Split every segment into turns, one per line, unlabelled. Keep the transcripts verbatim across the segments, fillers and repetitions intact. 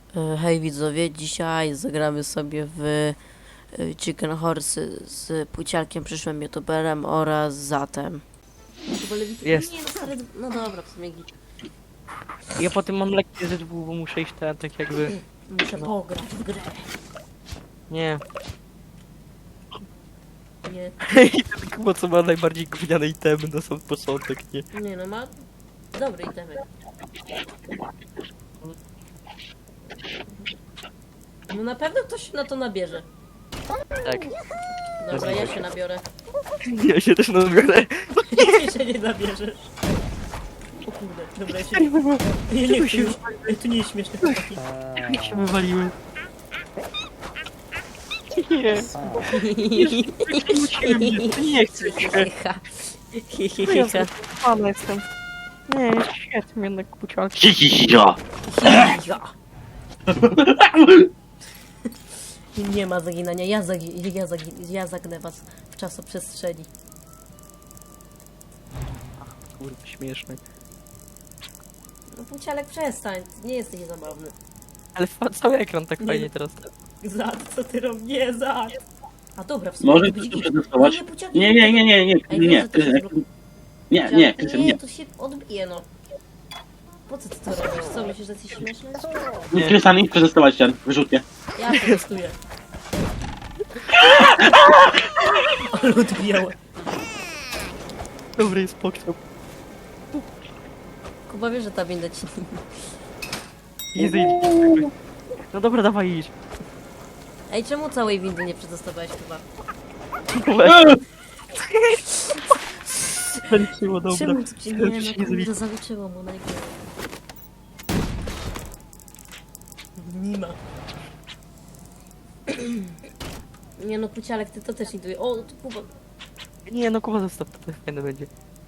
E, Hej widzowie, dzisiaj zagramy sobie w e, Chicken Horsey z Pucialkiem, przyszłym youtuberem oraz Zatem.
Jest.
Nie, no, stary, no dobra, w sumie git.
Ja potem mam lekcję Z W, bo muszę iść ten, tak jakby...
Muszę pograć w grę.
Nie.
Nie,
I ten Kuba, co ma najbardziej gówniane itemy na sam początek, nie?
nie no, ma dobry itemek. No na pewno ktoś się na to nabierze.
Tak.
Dobra, ja się nabiorę.
Ja się też nabiorę.
Ty się nie nabierzesz. O kurde, dobra, ja się... Nie, nie,
się-
chcę, Ej, to nie jest śmieszne, chłopaki.
Jak się wywaliły. Nie. Nie chcę się.
Hihiha.
Ja
Hihiha.
Pana jestem. Nie, jest świetnie jednak Pucialki.
Hihihiha.
Hihiha. Nie ma zaginania, ja, zagi ja, zagi ja zagnę was w czasoprzestrzeni.
Kurwa, śmieszny.
No Pucialek, przestań, nie jesteś zabawny.
Ale fa- cały ekran tak
Nie.
fajnie teraz.
Zad, co ty robisz? Nie, Zad! A dobra, w sumie...
Może
widzisz-
ktoś przetestować?
Nie, Pucialek,
Nie, nie, nie, nie, nie,
Ej,
nie,
wiem,
nie,
że to się
Krystian,
zrób-
nie, nie,
Pucialek,
Krystian,
nie,
nie.
to się odbije, no. Po co ty to robisz? Co, myślisz, że jesteś śmieszny?
Nie. Krystian, idź przetestować ten, wyrzutnie.
Ja testuję. Ale odbijało.
Dobry jest pokrzep.
Kuba wie, że ta winda ci...
Easy. No dobra, dawaj idź.
Ej, czemu całej windy nie przetestowałeś, Kuba?
Zaliczyło, dobra.
Czemu to ci... Nie,
Czemu
no
ci nie
kurde,
zaliczyło?
zaliczyło mu, no i kurde. Nie ma. Nie no, Pucialek, ty to też iduje. O, to Kuba.
Nie, no Kuba zostaw, to fajne będzie.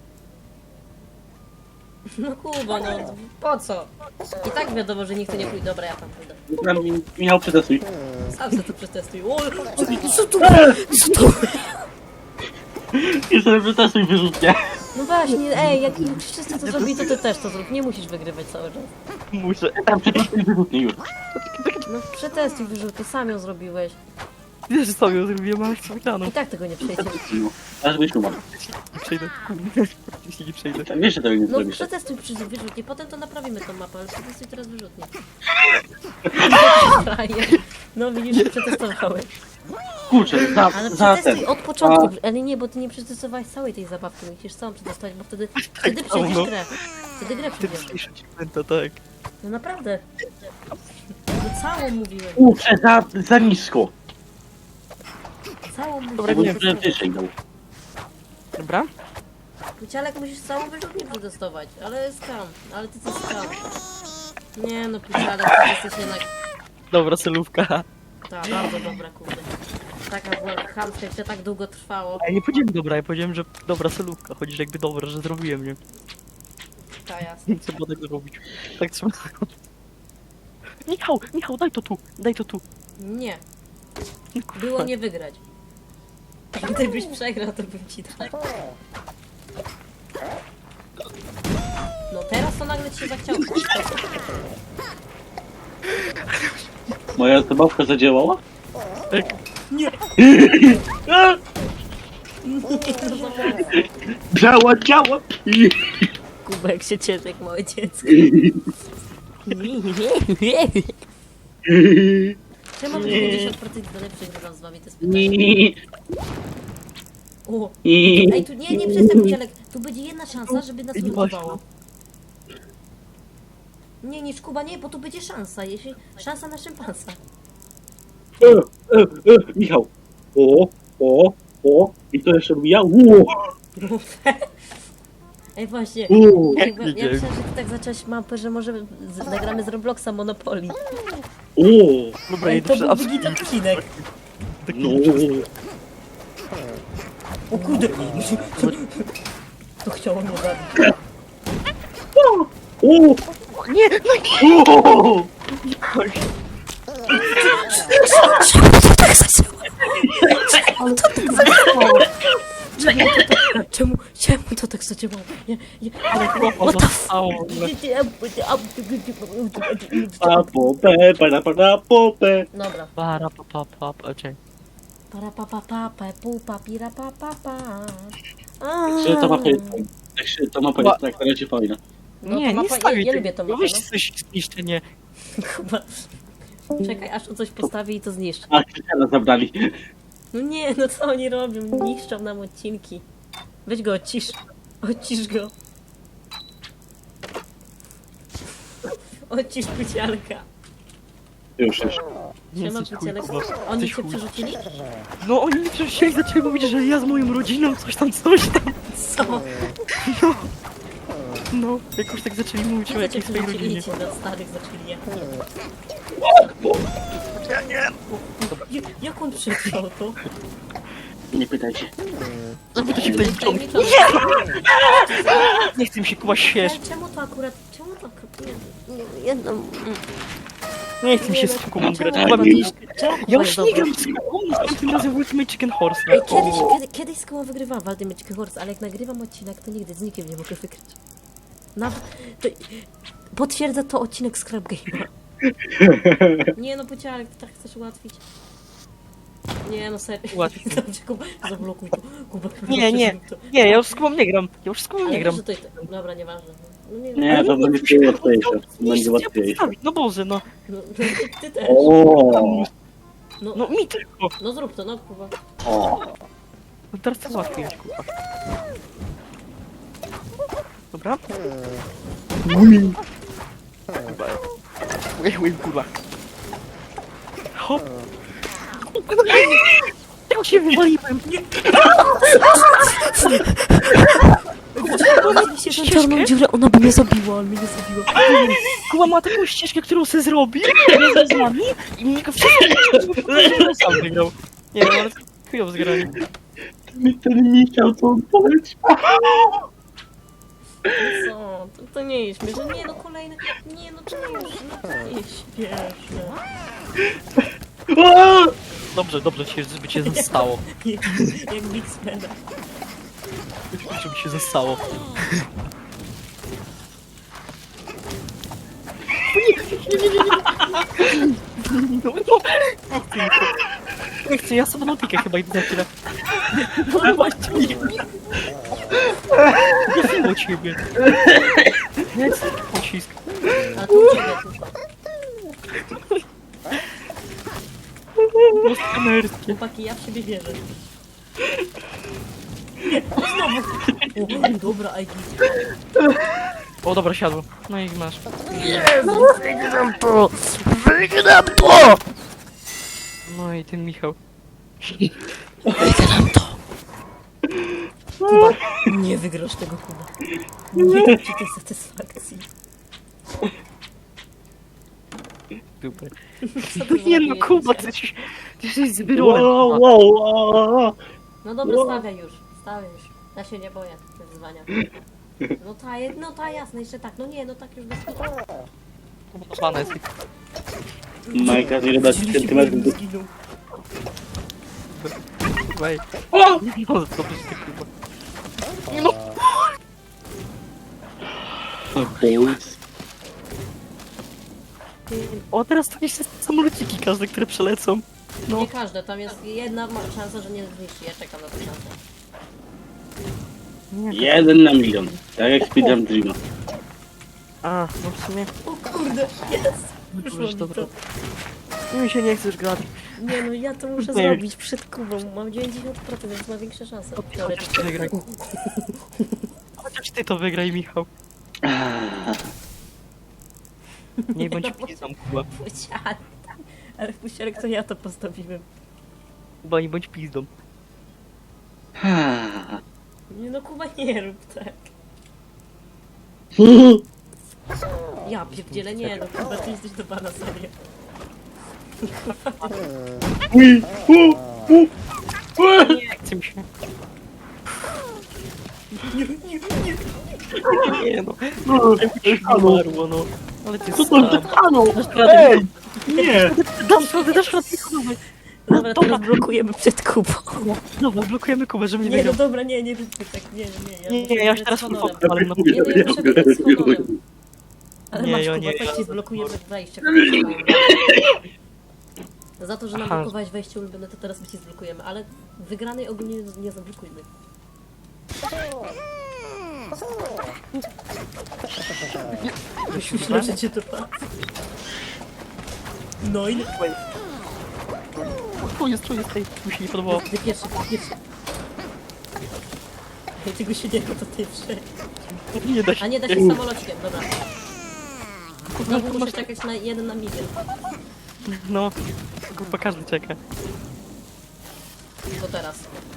No Kuba, no po co? I tak wiadomo, że nikt tu nie pójdzie. Dobra, ja tam pójdę.
Krystian, Michał, przetestuj.
Sam se to przetestuj. O, co tu? Co tu?
Krystian, przetestuj wyrzutnie.
No właśnie, ej, jak wszyscy to zrobili, to ty też to zrób. Nie musisz wygrywać cały czas.
Muszę.
Tam przetestuj wyrzutnie już.
No przetestuj wyrzutkę, sam ją zrobiłeś.
Wiesz, że sobie ją zrobiłem, ale chcę wygraną.
I tak tego nie przejdziesz.
Aż byś umarł.
Nie przejdę. Jeśli nie przejdę.
Wiesz, że tego nie
No
zrobisz.
przetestuj przy wyrzutnie, potem to naprawimy tą mapę, ale przetestuj teraz wyrzutnie. Frajer. No widzisz, że przetestowałeś.
Kurczę, za,
Ale
za
przetestuj
ten.
od początku, ale nie, bo ty nie przetestowałeś całej tej zabawki, musisz całą przetestować, bo wtedy, wtedy przejdziesz
no.
grę. Wtedy grę
Ty
przejdziesz.
przejdziesz achievementa, tak.
No naprawdę. No całą mówiłem,
Kurczę, za, za nisko.
całą
Dobra,
mówiłem.
Bo nie wyżej dał.
Dobra?
Pucialek, musisz całą wyrzutnię przetestować, ale skam, ale ty co skam. Nie no, Pucialek, ty jesteś jednak...
Dobra, celówka.
Ta, bardzo dobra, kurde. Taka była chamska, jak to tak długo trwało.
A ja nie powiedziałem dobra, ja powiedziałem, że dobra celówka. Chodzi, że jakby dobra, że zrobiłem, nie?
Ta, jasne.
Nie trzeba tego robić. Tak trzeba. Michał, Michał, daj to tu, daj to tu.
Nie. Było nie wygrać. Gdybyś przegrał, to bym ci dał. No teraz to nagle ci się zachciało.
Moja zabawka zadziałała?
Tak.
Nie, no za mocno.
Działa, działa.
Kubek się cieszy jak małe dziecko. Czemu mam dziewięćdziesiąt procent do lepszych wygram z wami, to jest pytanie. O, ej, tu nie, nie przestań, Pucialek. Tu będzie jedna szansa, żeby nas
Nie
uratowało. Nie, nie, Kuba, nie, bo tu będzie szansa, jeśli... Szansa na szympansa.
E, e, e, Michał. O, o, o. I to jeszcze robi ja. Ło,
Ej, właśnie.
ło.
Ja,
Jak
ja
nie
myślałem, że ty tak zacząłeś mapę, że może z, nagramy z Robloxa Monopoly.
O,
Dobra,
Ej,
idę
to
przy
byłby git odcinek.
no.
O kurde. To chciało mnie zabić.
O,
Nie, no nie!
o.
Tak zaczęło. Ale to tak zaczęło. Czekaj, to, to, Czemu, czemu to tak zadziałało? Ja, ja,
Ale chłopa
what the f...
zostało w ogóle.
Pa, popę, para, para, popę.
Dobra.
Para, pa, pa, pa, pa, czekaj.
Para pa pa pa pa pu pa pira pa pa pa.
Czy ta mapa jest fajna? Tak się, ta mapa jest tak, raczej fajna.
No,
Nie,
to
nie
mapa-
stawię
ja- ja
tego.
lubię tą
No
mapę,
weź
no.
coś zniszczenie.
Chyba. Czekaj, aż on coś postawi i to zniszczy.
A, Krystiana zabrali.
No nie, no co oni robią? Niszczą nam odcinki. Weź go, odcisz. Odcisz go. Odcisz pucialka.
Już, już.
Nie
Siema,
jesteś chuj,
pucielek.
Kuba.
Oni
Jesteś
cię
chuj.
przerzucili?
No oni mi przecież zaczęli mówić, że ja z moją rodziną coś tam, coś tam.
Co?
No, jakoś tak zaczęli mówić o
Kiedy cię
jakiejś swojej
przerzucili
rodzinie.
i cię na starych zaczęli jechać?
Ja nie.
Ja- Jak on przetrwał to?
Nie pytajcie.
Żeby się tutaj
Daj
wciągnąć.
mi to.
Nie chcę mi się Kuba śmiać.
Ale czemu to akurat... Czemu to akurat... Nie, nie, jedno... mm.
Nie chcę mi się
Nie,
z
no,
Kubą grać.
czemu
Kuba
Kuba
mi...
nie- czemu Kuba
Ja już
jest
nie
dobry?
gram z Kubą, następnym razem Ultimate Chicken Horse.
Ej, kiedyś, kiedy, kiedyś z koło wygrywałam w Ultimate Chicken Horse, ale jak nagrywam odcinek, to nigdy z nikim nie mogę wygrać. Nawet... To, potwierdza to odcinek Scrap Game'a. Nie no, Puciarek, ty tak chcesz ułatwić. Nie no, serio.
Ułatwić.
Dobrze, Kuba, zablokuj to. Kuba,
Nie, nie.
zrób to.
Nie, ja już z Kubą nie gram. Ja już z Kubą
Ale
nie gram.
wiesz, że to jest... Dobra, nieważne. No nie,
Nie, to będzie łatwiejsze. To będzie
chcę
łatwiejsze.
postawić. No Boże, no.
No, no, ty też.
O,
No,
No mi tylko.
no zrób to, no Kuba.
o.
No teraz to łatwiej jest, Kuba. Dobra? Kuba. Ej, ej, Kuba. Hop. Ja się wywaliłem.
Ona się tą czarną dziurę, ona by mnie zabiła, ale mnie nie zabiła.
Kuba ma taką ścieżkę, którą se zrobi razem z nami i mnie go wszystko sam wygrał. Nie wiem, ale chujowo zgrali.
Mi ten nie chciał co odpowiedzieć.
No co? To, to nie jest śmieszne. Nie no, kolejny... Nie no, to nie jest, no, to nie jest śmieszne.
O!
Dobrze, dobrze się, żeby cię zostało.
Jak Big Spenda.
Żeby się zostało. No, no. Nie chcę, ja sobie notikę chyba idę za chwilę. No właśnie. Nie było ciebie. Nie chcę taki pocisk.
A tu u ciebie tylko.
Most kamerskie.
Chłopaki, ja w siebie wierzę. O, znowu. O, dobra, I git.
O dobra, siadło. No i masz.
Wygram to! Wygram to!
No i ten Michał.
Wygram to! Kuba, nie wygrasz tego, Kuba. Nie dam ci tej satysfakcji.
Super.
Co ty
Nie no,
zrobiłeś?
Kuba, ty jesteś, ty jesteś
Wow,
zbyrolem.
wow, wow, wow.
No dobra,
Wow.
stawiaj już, stawiaj już. Ja się nie boję wyzwania. No ta, je- no ta jasne, jeszcze tak. No nie, no tak już bez kitu.
Pana jest.
Majka, ile dać centymetrów do...
Zginął.
Wej.
O!
No, dobrze, ty Kuba. No.
Boys.
O, teraz to jeszcze samolociki każde, które przelecą. No.
Nie każde, tam jest jedna ma- szansa, że nie zniszczy. Ja czekam na tę szansę.
Jeden na milion. Tak jak speedrun Dreama.
A, no w sumie.
O kurde, jest! Wyszło
Już
mi
dobra.
to.
Mi się nie chcesz grać.
Nie no, ja to muszę
Nie.
zrobić przed Kubą. Mam dziewięćdziesiąt procent, więc ma większe szanse.
Chociaż
Teoretycznie.
ty wygraj. Chociaż ty to wygraj, Michał. Nie bądź pizdą, Kuba.
Pusiarek. Ale pusiarek to ja to postawiłem.
Kuba, nie bądź pizdą.
Nie no, Kuba, nie rób tak. Ja pierdzielę, nie no, Kuba, ty jesteś do pana, serio.
Ui, u, u, u.
Nie chcę mi się. Nie no. Umarło, no. Ale ty
Co to za
sam.
kanał?
Dasz radę,
Ej! Nie!
Dasz radę, dasz radę, Michał.
Dobra, teraz blokujemy przed Kubą.
Dobra, blokujemy Kubę, żeby nie
Nie, no
wygrał.
dobra, nie, nie róbmy tak, nie, nie,
Nie,
muszę
nie, ja już
wygrać
teraz
z honorem.
ale no.
Nie, no ja muszę wygrać z honorem. Ale
Nie,
masz,
ja
Kuba,
nie.
chodź ci zblokujemy wejście. Za to, że nam
Aha.
blokowałeś wejście ulubione, to teraz my ci zblokujemy, ale wygranej ogólnie nie, nie zablokujmy. Myślę, że cię to pa. No i...
Tu jest, tu jest, tej, mi się nie podobało.
Ty pierwszy, ty pierwszy. Ej, tego się nie da, to ty przejdź.
Nie da się.
A nie da się samolocikiem, dobra. Znowu muszę czekać na jeden na milion.
No, kurwa, każdy czeka.
To teraz.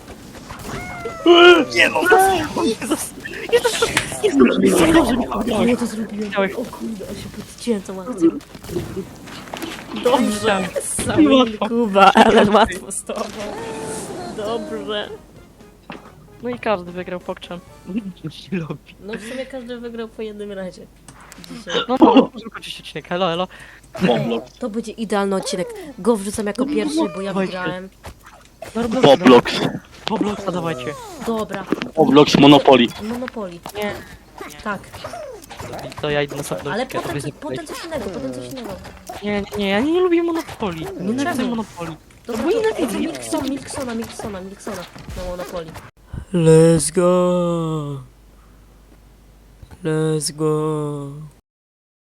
Nie no, Jezus! Jezus! Jezus! Jak dobrze mi powiedziałeś.
Ja to zrobiłem.
Chciałeś.
O kurde, on się podcięłem tą akcją. Dobrze.
Chciałem.
Sami
Łatwo.
Kuba, ale łatwo z tobą. Dobrze.
No i każdy wygrał pokczem. Nie lubi.
No w sumie każdy wygrał po jednym razie. Dzisiaj.
No no, możemy kończyć odcinek, elo, elo.
To będzie idealny odcinek. Go wrzucam jako pierwszy, bo ja
Dawajcie.
wygrałem.
Roblox.
Robloxa dawajcie.
Dobra.
Roblox Monopoly.
Monopoly.
Nie.
Tak.
To ja idę na sobie.
Ale potem, co- potem coś innego, potem coś innego.
Nie, nie, nie, ja nie lubię Monopoli. Nie nienawidzę
Czemu?
Monopoli.
Dobra,
bo
to-
nienawidzę.
Milksona, Milksona, Milksona, Milksona na Monopoly. Let's go. Let's go.